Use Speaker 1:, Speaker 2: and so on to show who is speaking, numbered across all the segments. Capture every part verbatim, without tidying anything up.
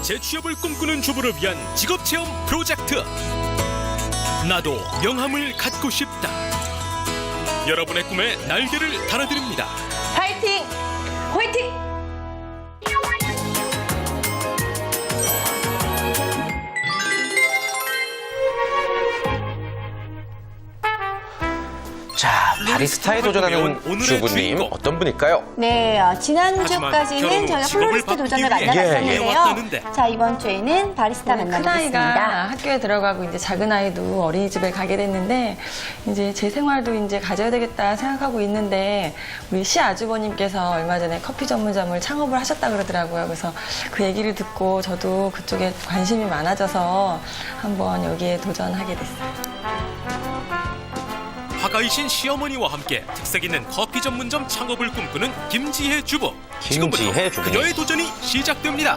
Speaker 1: 재취업을 꿈꾸는 주부를 위한 직업체험 프로젝트. 나도 명함을 갖고 싶다. 여러분의 꿈에 날개를 달아드립니다.
Speaker 2: 파이팅! 화이팅!
Speaker 3: 자, 바리스타에 도전하는 주부님 어떤 분일까요?
Speaker 4: 네, 어, 지난주까지는
Speaker 1: 결혼 후
Speaker 4: 저희가
Speaker 1: 직업을
Speaker 4: 플로리스트
Speaker 1: 바꾸기
Speaker 4: 도전을
Speaker 1: 위해
Speaker 4: 만나봤었는데요.
Speaker 1: 왔다는데.
Speaker 4: 자, 이번 주에는 바리스타
Speaker 5: 큰
Speaker 4: 만나보겠습니다.
Speaker 5: 아이가 학교에 들어가고 이제 작은 아이도 어린이집에 가게 됐는데 이제 제 생활도 이제 가져야 되겠다 생각하고 있는데 우리 시 아주버님께서 얼마 전에 커피 전문점을 창업을 하셨다 그러더라고요. 그래서 그 얘기를 듣고 저도 그쪽에 관심이 많아져서 한번 여기에 도전하게 됐어요.
Speaker 1: 화가이신 시어머니와 함께 특색 있는 커피 전문점 창업을 꿈꾸는 김지혜 주부. 지금부터
Speaker 3: 김지혜 주부님.
Speaker 1: 그녀의 도전이 시작됩니다.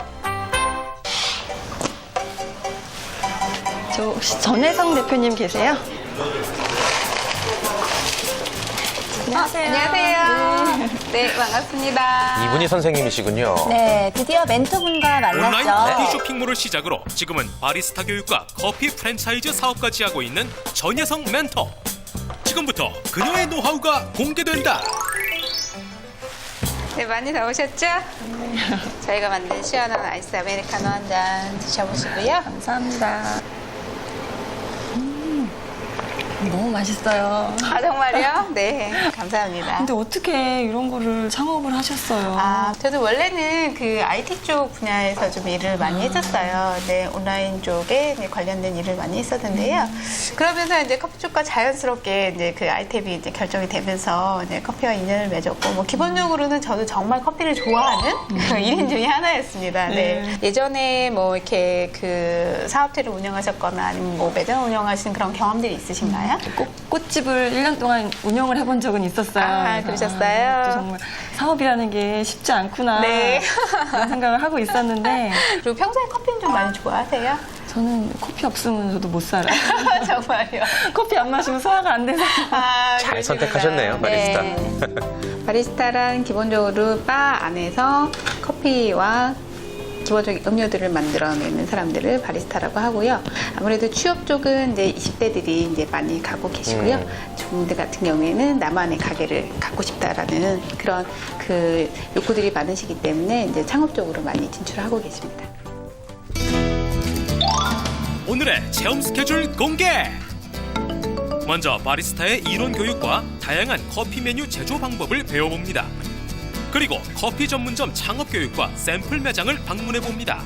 Speaker 5: 저 혹시 전혜성 대표님 계세요? 안녕하세요.
Speaker 2: 안녕하세요. 네, 반갑습니다.
Speaker 3: 이분이 선생님이시군요.
Speaker 4: 네, 드디어 멘토분과
Speaker 1: 온라인
Speaker 4: 만났죠.
Speaker 1: 커피 쇼핑몰을 시작으로 지금은 바리스타 교육과 커피 프랜차이즈 사업까지 하고 있는 전혜성 멘토. 지금부터 그녀의 노하우가 공개된다.
Speaker 2: 네, 많이 나오셨죠? 저희가 만든 시원한 아이스 아메리카노 한 잔 드셔보시고요.
Speaker 5: 감사합니다. 음, 너무 맛있어요.
Speaker 2: 아, 정말요? 네, 감사합니다.
Speaker 5: 근데 어떻게 이런 거를 창업을 하셨어요?
Speaker 2: 아, 저도 원래는 그 아이티 쪽 분야에서 좀 일을 많이 했었어요. 네, 온라인 쪽에 이제 관련된 일을 많이 했었는데요. 그러면서 이제 커피 쪽과 자연스럽게 이제 그 아이템이 이제 결정이 되면서 이제 커피와 인연을 맺었고, 뭐 기본적으로는 저도 정말 커피를 좋아하는 그 일인 중에 하나였습니다. 네. 예전에 뭐 이렇게 그 사업체를 운영하셨거나 아니면 뭐 매장 운영하신 그런 경험들이 있으신가요?
Speaker 5: 꽃, 꽃집을 일 년 동안 운영을 해본 적은 있었어요.
Speaker 2: 아,
Speaker 5: 그래서
Speaker 2: 그러셨어요?
Speaker 5: 아, 이것도 정말 사업이라는 게 쉽지 않구나.
Speaker 2: 네.
Speaker 5: 그런 생각을 하고 있었는데
Speaker 2: 그리고 평소에 커피는 좀 많이 좋아하세요?
Speaker 5: 저는 커피 없으면 저도 못 살아요.
Speaker 2: 정말요?
Speaker 5: 커피 안 마시면 소화가 안 돼서.
Speaker 2: 아,
Speaker 3: 잘
Speaker 2: 그러시구나.
Speaker 3: 선택하셨네요, 바리스타.
Speaker 2: 네. 바리스타란 기본적으로 바 안에서 커피와 기본적인 음료들을 만들어내는 사람들을 바리스타라고 하고요. 아무래도 취업 쪽은 이제 이십 대들이 이제 많이 가고 계시고요.
Speaker 3: 음.
Speaker 2: 주부들 같은 경우에는 나만의 가게를 갖고 싶다라는 그런 그 욕구들이 많으시기 때문에 이제 창업적으로 많이 진출하고 계십니다.
Speaker 1: 오늘의 체험 스케줄 공개! 먼저 바리스타의 이론 교육과 다양한 커피 메뉴 제조 방법을 배워봅니다. 그리고 커피 전문점 창업 교육과 샘플 매장을 방문해 봅니다.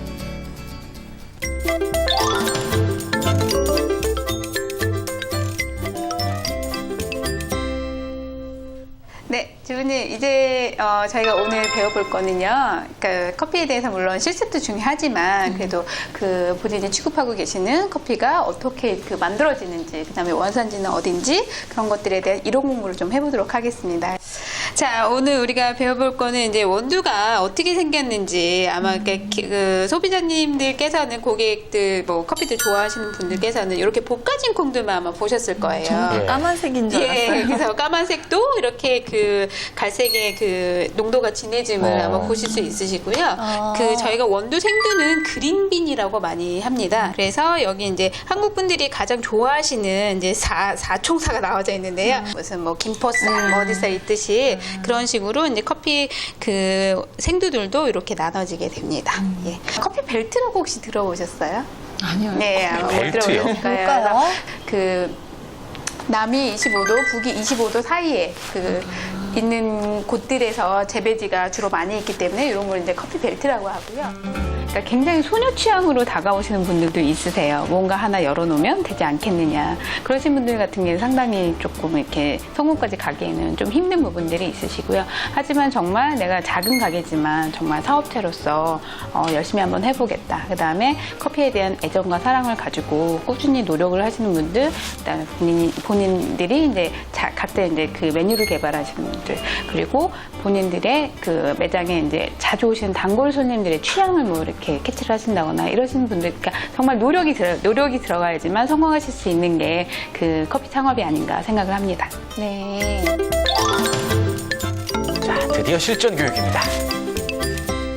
Speaker 2: 네, 주부님 이제 어, 저희가 오늘 배워볼 거는요. 그러니까 커피에 대해서 물론 실습도 중요하지만 그래도 그 본인이 취급하고 계시는 커피가 어떻게 그 만들어지는지, 그다음에 원산지는 어딘지 그런 것들에 대한 이론 공부를 좀 해보도록 하겠습니다. 자, 오늘 우리가 배워볼 거는 이제 원두가 어떻게 생겼는지 아마 그, 그 소비자님들께서는 고객들 뭐 커피들 좋아하시는 분들께서는 이렇게 볶아진 콩들만 아마 보셨을 거예요.
Speaker 5: 정말 까만색인 줄 알았어요.
Speaker 2: 예, 그래서 까만색도 이렇게 그 갈색의 그 농도가 진해짐을
Speaker 3: 어.
Speaker 2: 아마 보실 수 있으시고요.
Speaker 4: 어.
Speaker 2: 그 저희가 원두 생두는 그린빈이라고 많이 합니다. 그래서 여기 이제 한국 분들이 가장 좋아하시는 이제 사, 사총사가 나와져 있는데요.
Speaker 4: 음.
Speaker 2: 무슨 뭐 김포쌀, 뭐 어디쌀 있듯이 그런 식으로 이제 커피 그 생두들도 이렇게 나눠지게 됩니다.
Speaker 4: 음.
Speaker 2: 예. 커피 벨트라고 혹시 들어보셨어요?
Speaker 5: 아니요.
Speaker 2: 네, 아마 못
Speaker 3: 벨트요?
Speaker 2: 들어보셨을 거예요.
Speaker 4: 뭘까요?
Speaker 2: 그래서 그 남이 이십오 도, 북이 이십오 도 사이에 그 있는 곳들에서 재배지가 주로 많이 있기 때문에 이런 걸 이제 커피 벨트라고 하고요. 그러니까 굉장히 소녀 취향으로 다가오시는 분들도 있으세요. 뭔가 하나 열어놓으면 되지 않겠느냐. 그러신 분들 같은 경우는 상당히 조금 이렇게 성공까지 가기에는 좀 힘든 부분들이 있으시고요. 하지만 정말 내가 작은 가게지만 정말 사업체로서 어, 열심히 한번 해보겠다. 그 다음에 커피에 대한 애정과 사랑을 가지고 꾸준히 노력을 하시는 분들, 그 다음에 본인, 본인들이 이제 자, 각자 이제 그 메뉴를 개발하시는 분들, 그리고 본인들의 그 매장에 이제 자주 오시는 단골 손님들의 취향을 뭐 이렇게 캐치를 하신다거나 이러시는 분들, 그러니까 정말 노력이 들어 노력이 들어가야지만 성공하실 수 있는 게 그 커피 창업이 아닌가 생각을 합니다.
Speaker 4: 네.
Speaker 3: 자, 드디어 실전 교육입니다.
Speaker 2: 그러면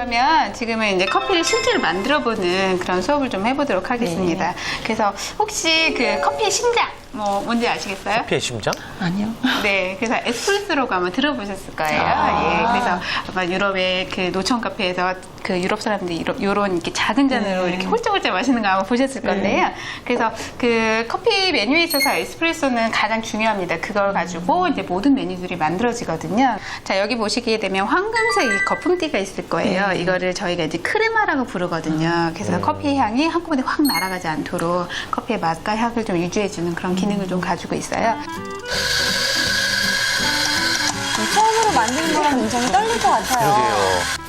Speaker 2: 그러면 지금은 이제 커피를 실제로 만들어보는 그런 수업을 좀 해보도록 하겠습니다. 그래서 혹시 그 커피의 심장 뭐 뭔지 아시겠어요?
Speaker 3: 커피의 심장?
Speaker 5: 아니요.
Speaker 2: 네, 그래서 에스프레소라고 아마 들어보셨을 거예요.
Speaker 5: 아.
Speaker 2: 예, 그래서 아마 유럽의 그 노천 카페에서 그 유럽 사람들이 이런, 이런 이렇게 작은 잔으로
Speaker 5: 네.
Speaker 2: 이렇게 홀짝홀짝 마시는 거 아마 보셨을 건데요. 그래서 그 커피 메뉴에 있어서 에스프레소는 가장 중요합니다. 그걸 가지고 이제 모든 메뉴들이 만들어지거든요. 자, 여기 보시게 되면 황금색 이 거품띠가 있을 거예요.
Speaker 5: 네.
Speaker 2: 이거를 저희가 이제 크레마라고 부르거든요. 그래서 커피 향이 한꺼번에 확 날아가지 않도록 커피의 맛과 향을 좀 유지해주는 그런 기능을 좀 가지고 있어요.
Speaker 4: 처음으로 만드는 거랑 굉장히 떨릴 것 같아요.
Speaker 3: 그러게요.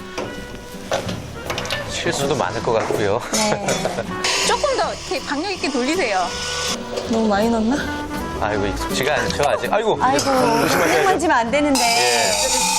Speaker 3: 실수도 많을 것 같고요.
Speaker 4: 네.
Speaker 2: 조금 더 이렇게 박력 있게 돌리세요.
Speaker 5: 너무 많이 넣나?
Speaker 3: 아이고, 익숙지가 않죠, 아직. 아이고.
Speaker 4: 아이고,
Speaker 3: 조심하셔야죠.
Speaker 4: 만지면 안 되는데.
Speaker 3: 예.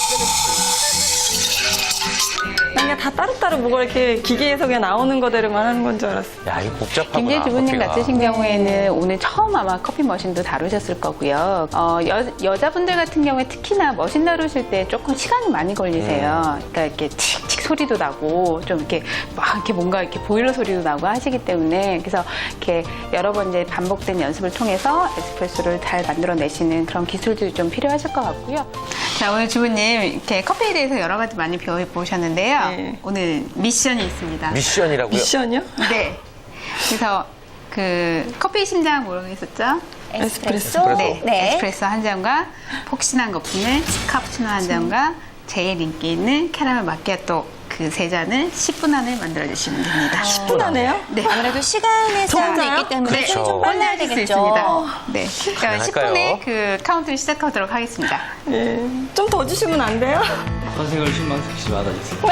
Speaker 5: 난 그냥 다 따로따로 뭐가 이렇게 기계에서 그냥 나오는 거대로만 하는 건 줄 알았어.
Speaker 3: 야, 이거 복잡하구나.
Speaker 2: 김재 주부님
Speaker 3: 커피가.
Speaker 2: 같으신 경우에는 오늘 처음 아마 커피 머신도 다루셨을 거고요. 어, 여, 여자분들 같은 경우에 특히나 머신 다루실 때 조금 시간이 많이 걸리세요. 그러니까 이렇게 칙칙 소리도 나고 좀 이렇게 막 이렇게 뭔가 이렇게 보일러 소리도 나고 하시기 때문에 그래서 이렇게 여러 번 이제 반복된 연습을 통해서 에스프레소를 잘 만들어내시는 그런 기술들이 좀 필요하실 것 같고요. 자, 오늘 주부님 이렇게 커피에 대해서 여러 가지 많이 배워보셨는데요.
Speaker 5: 네.
Speaker 2: 오늘 미션이 있습니다.
Speaker 3: 미션이라고요?
Speaker 5: 미션이요?
Speaker 2: 네. 그래서 그 커피 심장 뭐라고 했었죠?
Speaker 4: 에스프레소?
Speaker 2: 네.
Speaker 4: 네.
Speaker 2: 에스프레소 한 잔과 폭신한 거품을 카푸치노 한 잔과 제일 인기 있는 캐러멜 마키아토 그 세 잔을 십 분 안에 만들어 주시면 됩니다.
Speaker 5: 십 분 안에요?
Speaker 2: 네.
Speaker 4: 아무래도 시간의 제한이
Speaker 5: 진짜요?
Speaker 4: 있기 때문에
Speaker 2: 네.
Speaker 4: 좀, 좀 빨리 해야
Speaker 2: 할수
Speaker 4: 되겠죠.
Speaker 2: 있습니다. 네. 그러니까 십 분에
Speaker 3: 가능할까요?
Speaker 2: 그 카운트를 시작하도록 하겠습니다.
Speaker 5: 예. 좀 더 주시면 안 돼요?
Speaker 6: 선생을 실망시키지 말아주세요.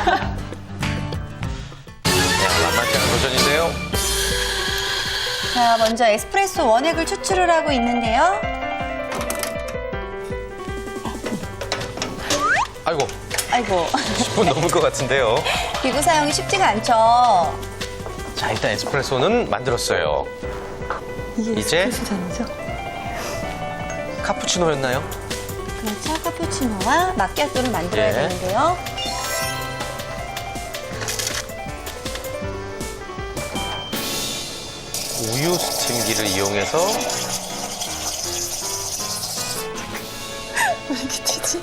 Speaker 3: 야, 만만치 않은 도전인데요.
Speaker 4: 자, 먼저 에스프레소 원액을 추출을 하고 있는데요.
Speaker 3: 아이고,
Speaker 4: 아이고,
Speaker 3: 십 분 넘을 것 같은데요.
Speaker 4: 기구 사용이 쉽지가 않죠.
Speaker 3: 자, 일단 에스프레소는 만들었어요.
Speaker 5: 이게
Speaker 3: 이제?
Speaker 5: 에스프레소 잔이죠?
Speaker 3: 카푸치노였나요?
Speaker 4: 그렇죠. 카푸치노와 마키아토를 만들어야
Speaker 3: 예.
Speaker 4: 되는데요.
Speaker 3: 우유 스팀기를 이용해서
Speaker 5: 왜 이렇게 튀지?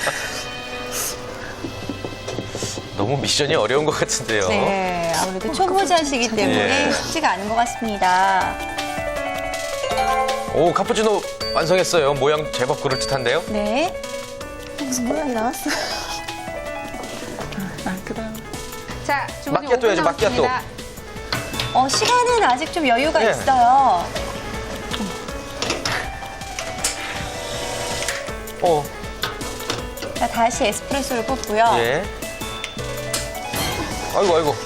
Speaker 3: 너무 미션이 어려운 것 같은데요.
Speaker 4: 네, 아무래도 초보자시기 때문에
Speaker 3: 예.
Speaker 4: 쉽지가 않은 것 같습니다.
Speaker 3: 오, 카푸치노 완성했어요. 모양 제법 그럴듯한데요?
Speaker 4: 네.
Speaker 5: 무슨 모양이 나왔어? 아, 그 다음.
Speaker 2: 자, 주부님
Speaker 3: 마키아토 해야죠,
Speaker 2: 오 분
Speaker 3: 마키아토.
Speaker 2: 남았습니다.
Speaker 4: 어, 시간은 아직 좀 여유가
Speaker 3: 예.
Speaker 4: 있어요.
Speaker 3: 어,
Speaker 4: 자, 다시 에스프레소를 뽑고요.
Speaker 3: 예. 아이고, 아이고.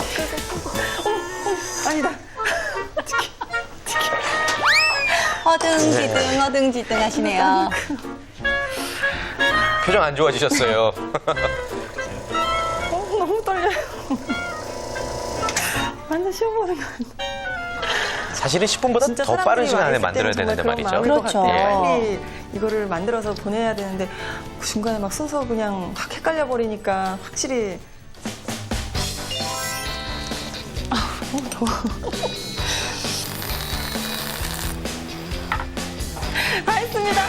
Speaker 5: 아니다.
Speaker 4: 허둥지둥, 허둥지둥 하시네요.
Speaker 3: 표정 안 좋아지셨어요.
Speaker 5: 어, 너무 떨려요. 완전 쉬워보는 거 같아.
Speaker 3: 사실은 십 분보다
Speaker 5: 진짜
Speaker 3: 더 빠른
Speaker 5: 사람들이
Speaker 3: 시간 안에
Speaker 5: 많이
Speaker 3: 만들어야
Speaker 5: 있을 때는
Speaker 3: 되는데
Speaker 5: 정말
Speaker 3: 말이죠.
Speaker 5: 그런 마음일 것
Speaker 4: 그렇죠.
Speaker 5: 같아요.
Speaker 3: 예.
Speaker 5: 빨리 이거를 만들어서 보내야 되는데 그 중간에 막 순서 그냥 확 헷갈려 버리니까 확실히 아 너무 더워. 다 했습니다.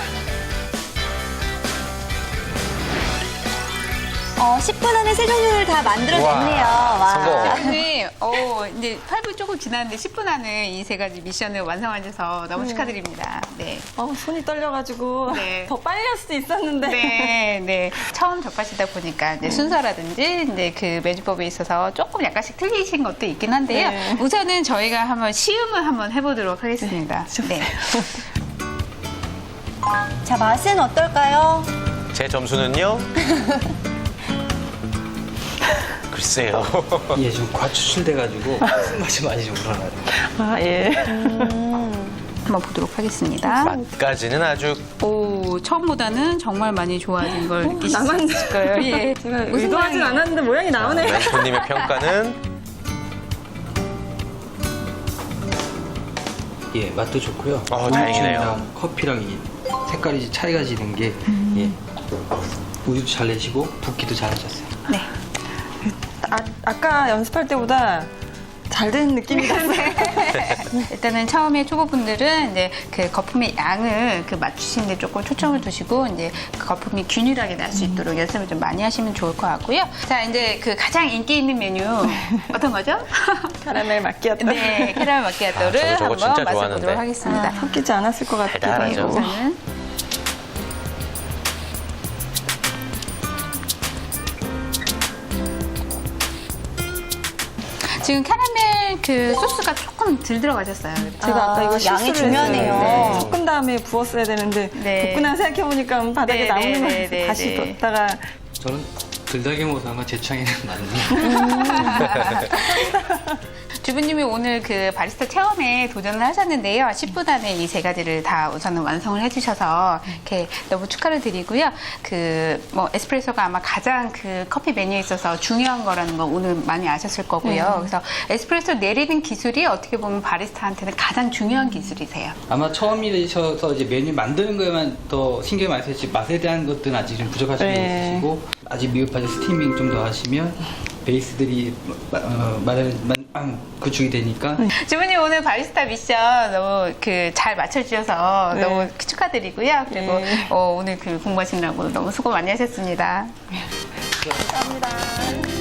Speaker 4: 어, 십 분 안에 세 종류를 다 만들어냈네요.
Speaker 3: 우와,
Speaker 4: 와.
Speaker 3: 성공.
Speaker 2: 오늘 어, 이제 팔 분 조금 지났는데 십 분 안에 이 세 가지 미션을 완성하셔서 너무 축하드립니다. 네.
Speaker 5: 어, 손이 떨려가지고
Speaker 2: 네.
Speaker 5: 더 빨리 할 수도 있었는데.
Speaker 2: 네, 네. 처음 접하시다 보니까 이제 순서라든지 이제 그 매주법에 있어서 조금 약간씩 틀리신 것도 있긴 한데요.
Speaker 5: 네.
Speaker 2: 우선은 저희가 한번 시음을 한번 해보도록 하겠습니다. 네.
Speaker 4: 자, 맛은 어떨까요?
Speaker 3: 제 점수는요? 글쎄요.
Speaker 6: 이게 좀 과추출돼가지고 맛이 많이 좀 우러나요.
Speaker 5: 아 예.
Speaker 2: 한번 보도록 하겠습니다.
Speaker 3: 맛까지는 아주
Speaker 2: 오, 처음보다는 정말 많이 좋아진 걸 느끼실 수
Speaker 5: 나만-
Speaker 2: 있을 거예요. 예.
Speaker 5: 제가
Speaker 2: 무슨
Speaker 5: 의도하진
Speaker 2: 모양이에요?
Speaker 5: 않았는데 모양이 나오네.
Speaker 3: 멘토님의 평가는
Speaker 6: 예, 맛도 좋고요.
Speaker 3: 어, 다행이네요.
Speaker 6: 커피랑 커피랑 이 색깔이 차이가 지는 게 예, 우유도 잘 내시고 붓기도 잘 하셨어요.
Speaker 2: 네.
Speaker 5: 아, 아까 연습할 때보다 잘 된 느낌이 났어요.
Speaker 2: 일단은 처음에 초보분들은 이제 그 거품의 양을 그 맞추시는데 조금 초점을 두시고 이제 그 거품이 균일하게 날 수 있도록 연습을 좀 많이 하시면 좋을 것 같고요. 자, 이제 그 가장 인기 있는 메뉴 어떤 거죠?
Speaker 5: 카라멜 마키아토.
Speaker 2: 네, 캐러멜 마키아토를
Speaker 3: 아, 저거
Speaker 2: 한번
Speaker 3: 진짜
Speaker 2: 맛을
Speaker 3: 좋아하는데.
Speaker 2: 보도록 하겠습니다.
Speaker 5: 아, 섞이지 않았을 것 같기도
Speaker 3: 달달하죠.
Speaker 5: 하고.
Speaker 2: 우선은 지금 캐러멜 그 소스가 조금 덜 들어가셨어요.
Speaker 5: 제가 아까 이거
Speaker 4: 아, 양이
Speaker 5: 실수를
Speaker 4: 중요하네요.
Speaker 5: 했어요. 네. 섞은 다음에 부었어야 되는데
Speaker 2: 네.
Speaker 5: 볶고 나서 생각해보니까 바닥에
Speaker 2: 네,
Speaker 5: 나오는
Speaker 2: 네,
Speaker 5: 거
Speaker 2: 네,
Speaker 5: 같아서
Speaker 2: 네,
Speaker 5: 다시
Speaker 2: 네.
Speaker 5: 뒀다가
Speaker 6: 저는 들다게 먹어서 아마 제 취향에는 맞네요.
Speaker 2: 주부님이 오늘 그 바리스타 체험에 도전을 하셨는데요. 십 분 안에 이 세 가지를 다 우선은 완성을 해주셔서 이렇게 너무 축하를 드리고요. 그 뭐 에스프레소가 아마 가장 그 커피 메뉴에 있어서 중요한 거라는 거 오늘 많이 아셨을 거고요. 그래서 에스프레소 내리는 기술이 어떻게 보면 바리스타한테는 가장 중요한 기술이세요.
Speaker 6: 아마 처음이셔서 이제 메뉴 만드는 거에만 더 신경 많이 쓰지 맛에 대한 것들은 아직 좀 부족하신 게
Speaker 5: 네.
Speaker 6: 있으시고 아직 미흡하게 스티밍 좀 더 하시면 베이스들이 어, 말하는 구축이 되니까
Speaker 2: 주부님 오늘 바리스타 미션 너무 그 잘 맞춰주셔서
Speaker 5: 네.
Speaker 2: 너무 축하드리고요. 그리고
Speaker 5: 네.
Speaker 2: 어, 오늘 그 공부하시느라고 너무 수고 많이 하셨습니다.
Speaker 5: 감사합니다.